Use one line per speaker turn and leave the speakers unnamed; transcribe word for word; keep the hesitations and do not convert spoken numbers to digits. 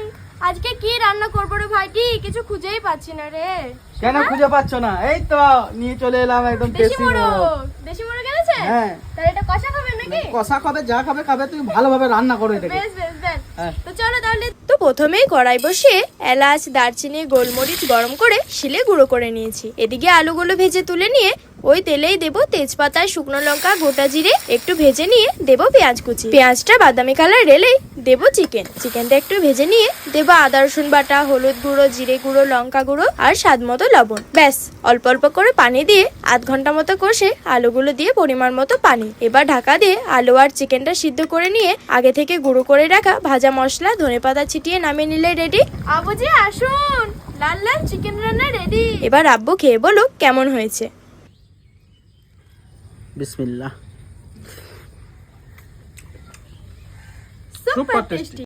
আজকে কি রান্না করবো রে ভাইটি, কিছু খুঁজেই পাচ্ছি না রে।
কেন খুঁজে পাচ্ছ না? এই তো নিয়ে চলে এলাম একদম
দেশি
দেশি
মোড়ক।
মোড়ক।
দেশি মোড়ক এনেছে?
হ্যাঁ।
তাহলে এটা কষা খাবে নাকি?
কষা খাবে, যা খাবে খাবে, তুমি ভালোভাবে রান্না করো এটাকে।
বেশ বেশ বেশ।
হ্যাঁ।
তো চলো তাহলে। তো প্রথমেই কড়াই বসিয়ে এলাচ দারচিনি গোলমরিচ গরম করে শিলে গুঁড়ো করে নিয়েছি। এদিকে আলুগুলো ভেজে তুলে নিয়ে ওই তেলেই দেবো তেজপাতা, শুকনো লঙ্কা, গোটা জিরে, একটু ভেজে নিয়ে দেবো পেঁয়াজ কুচি। পেঁয়াজটা বাদামি কালার এলেই দেবো চিকেন। চিকেনটা একটু ভেজে নিয়ে দেবো আদা রসুন বাটা, হলুদ গুঁড়ো, জিরে গুঁড়ো, লঙ্কা গুঁড়ো আর স্বাদ মতো লবণ। ব্যাস, অল্প অল্প করে পানি দিয়ে আধ ঘন্টা মতো কষে আলুগুলো দিয়ে পরিমাণ মতো পানি। এবার ঢাকা দিয়ে আলু আর চিকেনটা সিদ্ধ করে নিয়ে আগে থেকে গুঁড়ো করে রাখা ভাজা মশলা, ধনেপাতা ছিটিয়ে নামিয়ে নিলে রেডি। আবুজি আসুন, লাল লাল চিকেন রান্না রেডি। এবার আব্বু খেয়ে বলো কেমন হয়েছে।
বিসমিল্লাহ।
Super tasty.